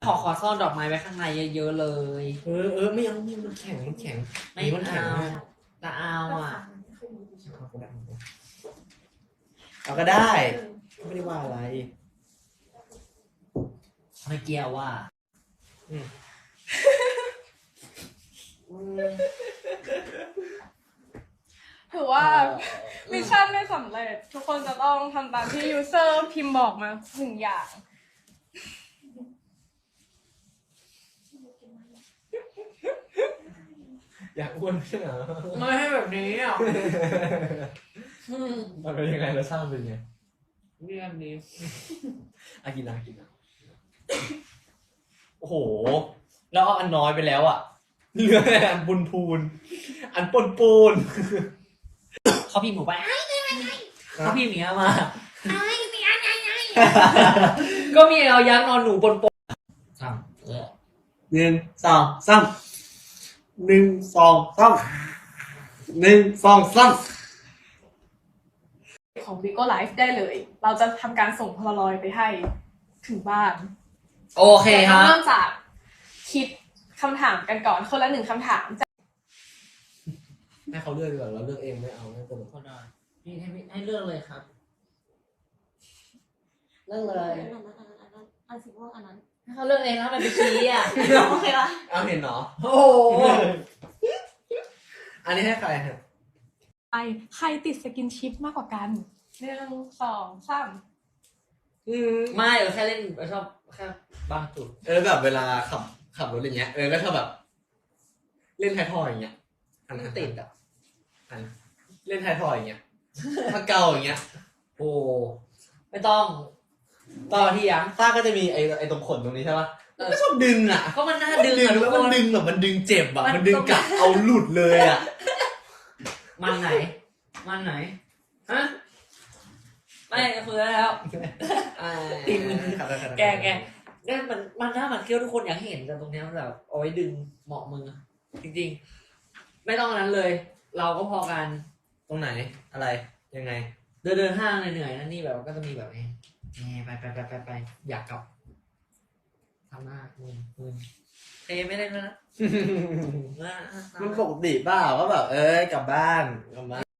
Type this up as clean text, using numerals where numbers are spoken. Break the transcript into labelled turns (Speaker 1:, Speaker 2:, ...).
Speaker 1: ขอซ่อนดอกไม้ไว้ข้างในเยอะๆเลย
Speaker 2: ไม่เอานี่มันแข็ง
Speaker 1: ไม่
Speaker 2: มันแข็ง
Speaker 1: เอาแต่เอาอ่ะ
Speaker 2: เอาก็ได้ไม่ได้ว่าอะไร
Speaker 1: ไม่เกี่ยวว่า
Speaker 3: ถือว่ามิชชั่นไม่สำเร็จทุกคนจะต้องทำตามที่ยูเซอร์พิมพ์บอกมา1 อย่าง
Speaker 2: อยากอ้วนใช่ไหม
Speaker 1: ไม่ให้แบบนี้อ่ะ
Speaker 2: มันเป็นยังไงเราสร้างเป็นไง
Speaker 1: เรื่องนี้
Speaker 2: กินนะโอ้โหแล้วเอาอันน้อยไปแล้วอ่ะเหลืออันพูนอันปูน
Speaker 1: เขาพิมพ์หนูไปเขาพิมพ์อย่างเงี้ยมาก็มีเอายักษ์นอนหนูบนโป๊ะทำ
Speaker 2: 1 2 3 1 2 3 1 2 3
Speaker 3: ของ Bigo Live ได้เลย เราจะทำการส่งพลารอยไปให้ถึงบ้าน
Speaker 1: โอเคครับ
Speaker 3: เริ่มจากคิดคำถามกันก่อนคนละ1 คำถาม
Speaker 2: ให้เขาเลือกดีกว่าเราเลือกเองไม่เอาไม่เป็นไร
Speaker 1: คนละพี่ให้เลือกเลยครับเลือกเลย
Speaker 4: อันสีม่วงอันนั้น
Speaker 1: ให้เขาเลือกเองแล้วมันไปชี้อ่ะ
Speaker 4: โอเคละ
Speaker 2: เอาเห็นเนาะ
Speaker 1: โอ้โห
Speaker 2: อันนี้ให้ใครฮะ
Speaker 3: ใครติดสกินชิปมากกว่ากัน1 2 3
Speaker 1: ไม่แค่เล่นชอบแค่บางจุด
Speaker 2: แบบเวลาขับรถอย่างเงี้ยก็ถ้าแบบ เล่นไทยทอยอย่างเงี้ยอันนั้นติดอ่ะอันเล่นไทยทอยอย่างเงี้ยถ้าเกาอย่างเงี้ย
Speaker 1: โอ้ไม่ต้องต่อที่ยัง
Speaker 2: ต้าก็จะมีไอ้ตรงขนตรงนี้ใช่ปะมันก็ชอบดึงอ่ะ
Speaker 1: ก็มันน่าดึง
Speaker 2: แล้วมันดึงแบบมันดึงเจ็บอ่ะมันดึงกะเอาหลุดเลยอ่ะ
Speaker 1: มันไหนฮะไม่คือแล้ว ตีมือ แกเนี่ยมันหน้ามันเคี้ยวทุกคนอยากให้เห็นกันตรงเนี้ยมันแบบเอาไว้ดึงเหมาะมือจริงๆไม่ต้องอันนั้นเลย เราก็พอกัน
Speaker 2: ตรงไหนอะไรยังไง
Speaker 1: เดินห้างเหนื่อยๆนั่นนี่แบบก็จะมีแบบนี้ไปอยากกลับทำหน้ามึนเทไม่ได้แล้วนะ
Speaker 2: มันปกติเปล่าก็แบบกลับบ้าน